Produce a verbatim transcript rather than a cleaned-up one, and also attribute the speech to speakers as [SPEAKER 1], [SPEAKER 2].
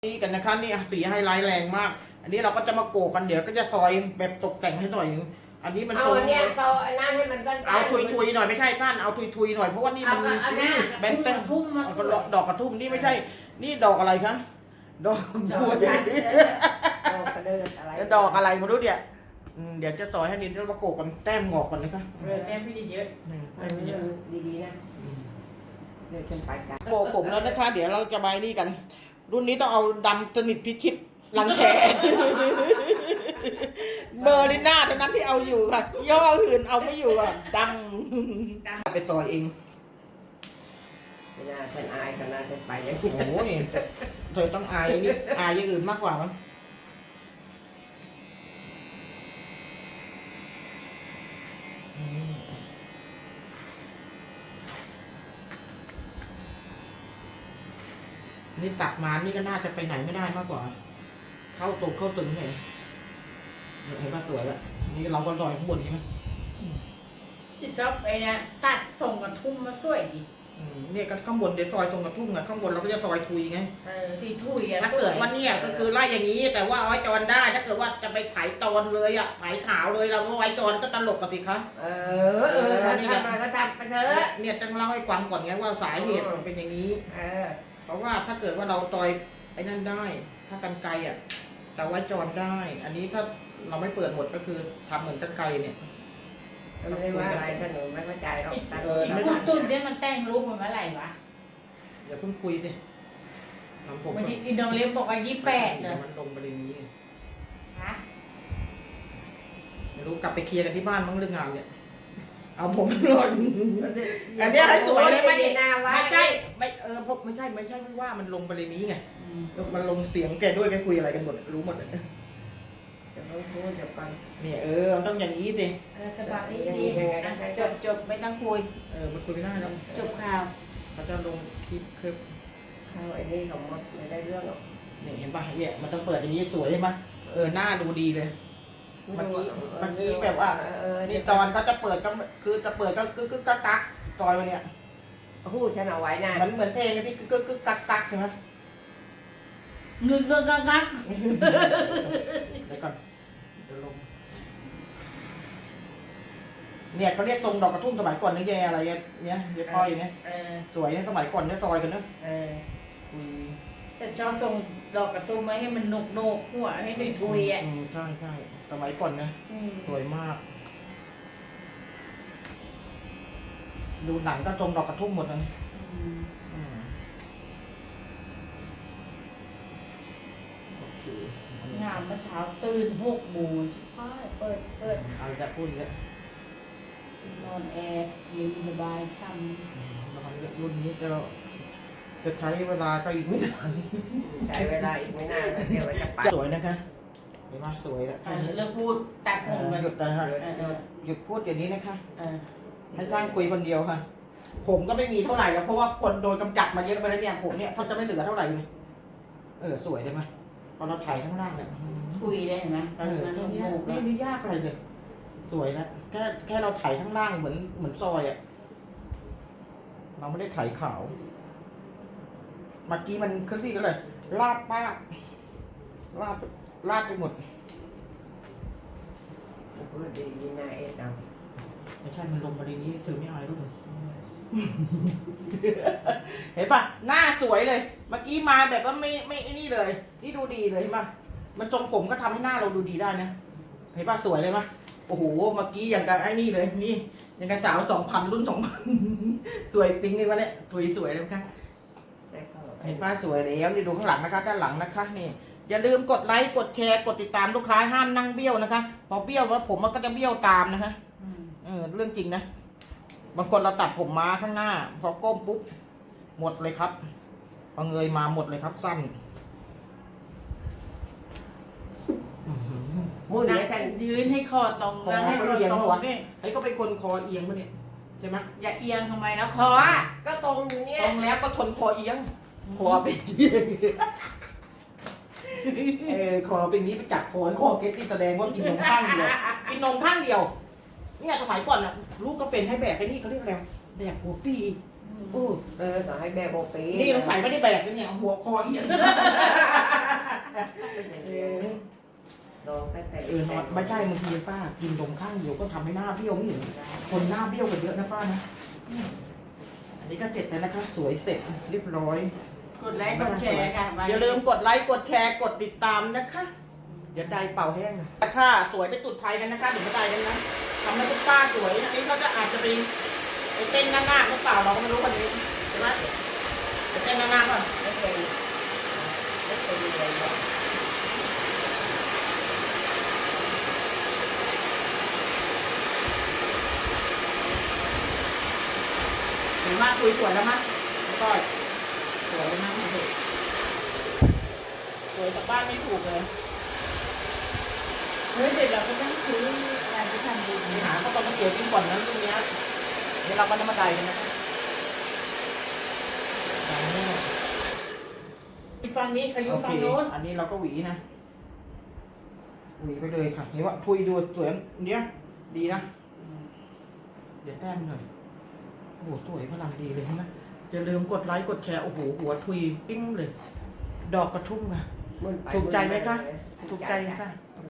[SPEAKER 1] นี่กันนะคะนี่สีไฮไลท์แรงมากอันนี้เราก็จะมาโกกันเดี๋ยวก็จะซอยแบบตกแต่งให้หน่อยอันนี้มัน
[SPEAKER 2] เอาเนี่ยเอาอันนั้นให้มันตั้งๆ
[SPEAKER 1] เอาทุยๆหน่อยไม่ใช่ท่านเอาทุยๆหน่อยเพราะว่านี่มันแบนเต้น
[SPEAKER 3] ทุ่มมา
[SPEAKER 1] ดอกกระทุ่มนี่ไม่ใช่นี่ดอกอะไรคะดอกบัว
[SPEAKER 2] ดอกกระเดิดอะไร
[SPEAKER 1] ดอกอะไรมาดูเดี๋ยวเดี๋ยวจะซอยให้นินแล้วมาโกกันแต้มงอกก่อนนะคะ
[SPEAKER 3] เออแต้มพี่เยอะ
[SPEAKER 2] เออดีๆนะเดี๋ยวฉันไปกัน
[SPEAKER 1] โกผมแล้วนะคะเดี๋ยวเราจะใบนี่กัน รุ่นนี้ต้องเอาดำสนิทพิชิตลังแขเบอร์ลิน่าเท่านั้นที่เอาอยู่ค่ะย่ออื่นเอาไม่อยู่อ่ะดังไปต่อเอง
[SPEAKER 2] ไม่น่าฉันอายขนาดฉันไปอย่างนี้
[SPEAKER 1] โอ้ยเธอต้องอายนี่อายอย่างอื่นมากกว่ามั้งนี่ตัดมานี่ก็น่าจะไปไหนไม่ได้มากกว่า เข้าตรงเข้าตึงเห็นเห็นป่ะสวยแล้วนี่เราก็ลอยข้างบนใช่ไหม
[SPEAKER 3] ที่ชอบไอ้เนี่ยตัดส่งกับทุ่มมาสวยดี
[SPEAKER 1] เนี่ยก็ข้างบนเดี๋ยวซอยตรงกระทุ่งอะข้างบนเราก็จะซอยทุยไง
[SPEAKER 3] เออสีถุยอะ
[SPEAKER 1] ถ้าเกิดว่าเนี่ยก็คือไล่อย่างนี้ แต่ว่าเอาไว้จอนได้ ถ้าเกิดว่าจะไปไถตอนเลยอะไถขาวเลยเราเอาไว้จอนก็ตลกกับสิคะ
[SPEAKER 2] เออเออทำอะไรก็ทำไปเถอะ
[SPEAKER 1] เนี่ยต้องเล่าให้ฟังก่อนไงว่าสาเหตุมันเป็นอย่างนี้
[SPEAKER 2] เออ
[SPEAKER 1] เพราะว่าถ้าเกิดว่าเราตอยไอ้นั่นได้ ถ้ากันไกลอะแต่ไว้จอนได้ อันนี้ถ้าเราไม่เปิดหมดก็คือทำเหมือนกันไกลเนี่ย
[SPEAKER 2] ไม่ได้ว่าอะไรขนมไม่เข้าใจหรอกตัด
[SPEAKER 1] เออ
[SPEAKER 3] คุณตุ้นเนี่ยมันแต่งรูปมันเมื่อไหร่วะ
[SPEAKER 1] อย่าเพิ่งคุยสิทำผม
[SPEAKER 3] วันที่อินโดนีเซียบอกว่ายี่แปดเลย
[SPEAKER 1] มันลงไปในนี้
[SPEAKER 3] ฮะ
[SPEAKER 1] ไม่รู้กลับไปเคลียร์กันที่บ้านมั้งเรื่องงานเนี่ย เอาผมหล่น อันนี้ให้สวยเลยไม่
[SPEAKER 2] ดีหน้าว่า
[SPEAKER 1] ไม่ใช่ไม่เออพวกไม่ใช่ไม่ใช่ไม่ว่ามันลงไปในนี้ไงมันลงเสียงแกด้วยแกคุยอะไรกันหมดรู้หมดเลย
[SPEAKER 2] เดี๋ยวพูดเดี๋ยวก่อน
[SPEAKER 1] เนี่ยเออมันต้องอย่างนี้สิ
[SPEAKER 3] เออสบายดีจบจบไม่ต้องคุย
[SPEAKER 1] เออมันคุยไม่ได้แล้ว
[SPEAKER 3] จบข่าว
[SPEAKER 1] เขาจะลงคลิปคลิป
[SPEAKER 2] เข้าไอ้นี่ของมดไม่ได้เรื่องหรอก
[SPEAKER 1] เนี่ยเห็นป่ะเนี่ยมันต้องเปิดอย่างนี้สวยใช่ไหมเออหน้าดูดีเลยเมื่อกี้เมื่อกี้แบบว่า
[SPEAKER 2] เออ
[SPEAKER 1] นี่จอนเขาจะเปิดก็คือจะเปิดก็กึกกึกกักกักจอยมาเนี่ย
[SPEAKER 2] พูดฉันเอาไว้นะ
[SPEAKER 1] มันเหมือนเพลงที่กึกกึกกักกักใช่ไหม
[SPEAKER 3] เงินเงินงักงัก
[SPEAKER 1] เดี๋ยวก่อนเดี๋ยวลงเนี่ยเขาเรียกทรงดอกกระทุ่มสมัยก่อนนี่แย่อะไรเนี่ยเนี่ยเดี๋ยวพอยอย่างเงี้ย
[SPEAKER 3] เออ
[SPEAKER 1] สวยเนี่ยสมัยก่อนเนี่ยซอยกันเนอะ
[SPEAKER 3] เออฉันชอบส่งดอกกระตุ้มมาให้มันนกนกหัวให้ถุยถุยอ่ะ
[SPEAKER 1] อืมใช่ใช่สมัยก่อนนะสวยมาก ดูหนังก็ทรงดอกกระทุ่มหมดเลยอืมโอเค
[SPEAKER 3] งามเมื่อเช้าตื่นหกโมงเปิดเปิด
[SPEAKER 1] เอาจะพูดอีกแล้ว
[SPEAKER 3] นอนแอร์เย็นสบายช่ำ
[SPEAKER 1] แล้วมันรุ่นนี้จะจะใช้เวลาก็อีกไม่นาน
[SPEAKER 2] ใช้เวลาอีกไม่นานนะเดี๋ยวจะไป
[SPEAKER 1] สวยนะคะเห็นว่าสวยแล้ว
[SPEAKER 3] เออเลิกพูดตัดผม
[SPEAKER 1] ห
[SPEAKER 3] ไป
[SPEAKER 1] ยุดแต่ค่ะ
[SPEAKER 3] เออเออ
[SPEAKER 1] หยุดพูดอย่างนี้นะคะ
[SPEAKER 3] เออ
[SPEAKER 1] ให้ช่างคุยคนเดียวค่ะ ผมก็ไม่มีเท่าไหร่แล้วเพราะว่าคนโดนกำจัดมาเยอะไปแล้วเนี่ยผมเนี่ยเขาจะไม่เหลือเท่าไหร่เลยเออสวยเลยไหมพอเราถ่ายข้างล่างเนี่ย
[SPEAKER 3] คุยได้เห็นไหมต
[SPEAKER 1] เอ
[SPEAKER 3] อน
[SPEAKER 1] อ
[SPEAKER 3] นั้น
[SPEAKER 1] แค่
[SPEAKER 3] มัน
[SPEAKER 1] เนี้ย
[SPEAKER 3] โมก
[SPEAKER 1] ไม่
[SPEAKER 3] แล้ว
[SPEAKER 1] ได้ยากอะไรเลยสวยแล้วแค่แค่เราถ่ายข้างล่างเหมือนเหมือนซอยอ่ะเราไม่ได้ถ่ายขาวเมื่อกี้มันขึ้นที่ก็เลยลาดป้ากลาดลาดไปหมด
[SPEAKER 2] พูดดีๆนะเอ็ดเอา
[SPEAKER 1] ไม่ใช่มันลงมาในนี้ถือไม่อายรู้เลย เห็นปะหน้าสวยเลย เมื่อกี้มาแบบว่าไม่ไม่ไอ้นี่เลย นี่ดูดีเลยเห็นปะมันทรงผมก็ทำให้หน้าเราดูดีได้นะ เห็นปะสวยเลยปะโอ้โห เมื่อกี้อย่างกับไอ้นี่เลย นี่อย่างกับสาวสองพันรุ่นสองพัน สวยปิ๊งเลยวะเนี่ยถุยสวยเลยค่ะ
[SPEAKER 2] ได้เข้า
[SPEAKER 1] เห็นปะสวยแล้วนี่ดูข้างหลังนะคะ ด้านหลังนะคะนี่ อย่าลืมกดไลค์ กดแชร์ กดติดตามลูกค้าห้ามนั่งเบี้ยวนะคะ พอเบี้ยวว่าผมมันก็จะเบี้ยวตามนะคะ
[SPEAKER 3] อืม
[SPEAKER 1] เออเรื่องจริงนะ บางคนเราตัดผมมาข้างหน้า พอก้มปุ๊บหมดเลยครับพอเงยมาหมดเลยครับสั้น
[SPEAKER 2] พูด
[SPEAKER 3] นั่
[SPEAKER 2] เนี่
[SPEAKER 3] ง
[SPEAKER 2] ยกัน
[SPEAKER 3] ยืนให้คอตรง
[SPEAKER 1] คอ
[SPEAKER 3] นั่งให้
[SPEAKER 1] ไม่
[SPEAKER 3] คอ
[SPEAKER 1] เอียง
[SPEAKER 3] ตรง
[SPEAKER 1] เหรอวะ
[SPEAKER 3] นี่
[SPEAKER 1] ไอ้ก็เป็นคนคอเอียงปะเนี่ยใช่ไหม
[SPEAKER 3] อย่าเอียงทำไมแล้วคออ่ะ
[SPEAKER 2] ก็ตรงอยู่เนี่ย
[SPEAKER 1] ตรงแล้วก็คนคอเอียงคอเป็นเอียงเออคอเป็นนี้ไปจับคอคอเกสที่แสดงว่ากินนมข้างเดียวกินนมข้างเดียวเนี่ยสมัยก่อนน่ะลูกก็เป็นให้แบกไอ้นี่เขาเรียกอะไรแบกหัวปี
[SPEAKER 3] อืม
[SPEAKER 2] อู้เออต่อให้แม่โบปี
[SPEAKER 1] นี่ต้องใส่ไม่ได้แบกเลยเนี่ยหัวคอเอียงเออ
[SPEAKER 2] ลองไปแต่
[SPEAKER 1] เออนอนไม่ใช่บางทีป้ากินตรงข้างเดียวก็ทำให้หน้าเบี้ยวไม่เห็นคนหน้าเบี้ยวกันเยอะนะป้านะอันนี้ก็เสร็จแล้วนะคะสวยเสร็จเรียบร้อย
[SPEAKER 3] กดไลค์กดแชร์ค่ะ
[SPEAKER 1] อย่าลืมกดไลค์กดแชร์กดติดตามนะคะเดี๋ยวได้เป่าแห้งนะค่ะสวยไปตุดไทยกันนะคะเดี๋ยวมาได้กันนะทำให้ทุกป้าสวยอันนี้เขาจะอาจจะไปไปเต้นหน้าๆหรือเปล่าเราก็ไม่รู้วันนี้ใช่ไหมไปเต้นหน้าๆก่อน
[SPEAKER 2] ไม่เคยไม่เคยมีอะไรหรอก
[SPEAKER 1] เห็นว่าคุยสวยแล้วมั้ยก็สวยแล้วนะคุณผู้สวยจากบ้านไม่ถูกเลย
[SPEAKER 3] เฮ้ยเดี๋ยวเราก็ต้องซื้ออะไรไปทำบุญ
[SPEAKER 1] ไปหาข้าวต้มมะเขือกินก่อนนะตรงเนี้ยเดี๋ยวเราก็น้ำมาได้กันนะคะ
[SPEAKER 3] ฝั่งนี้เขาอยู่
[SPEAKER 1] โอเค
[SPEAKER 3] ฝั่งโน้น
[SPEAKER 1] อันนี้เราก็หวีนะหวีไปเลยค่ะเห็นว่าพุยดูสวยเนี้ยดีนะเดี๋ยวแต้มหน่อยโอ้โหสวยพลังดีเลยใช่ไหมอย่าลืมกดไลค์กดแชร์โอ้โหหัวทุยปิ้งเลย ดอกกระทุ่มค่ะ
[SPEAKER 2] มุ่นไป
[SPEAKER 1] ถูกใจไหมคะ
[SPEAKER 2] มุ่นมาเลย
[SPEAKER 1] ถูกใจค่ะ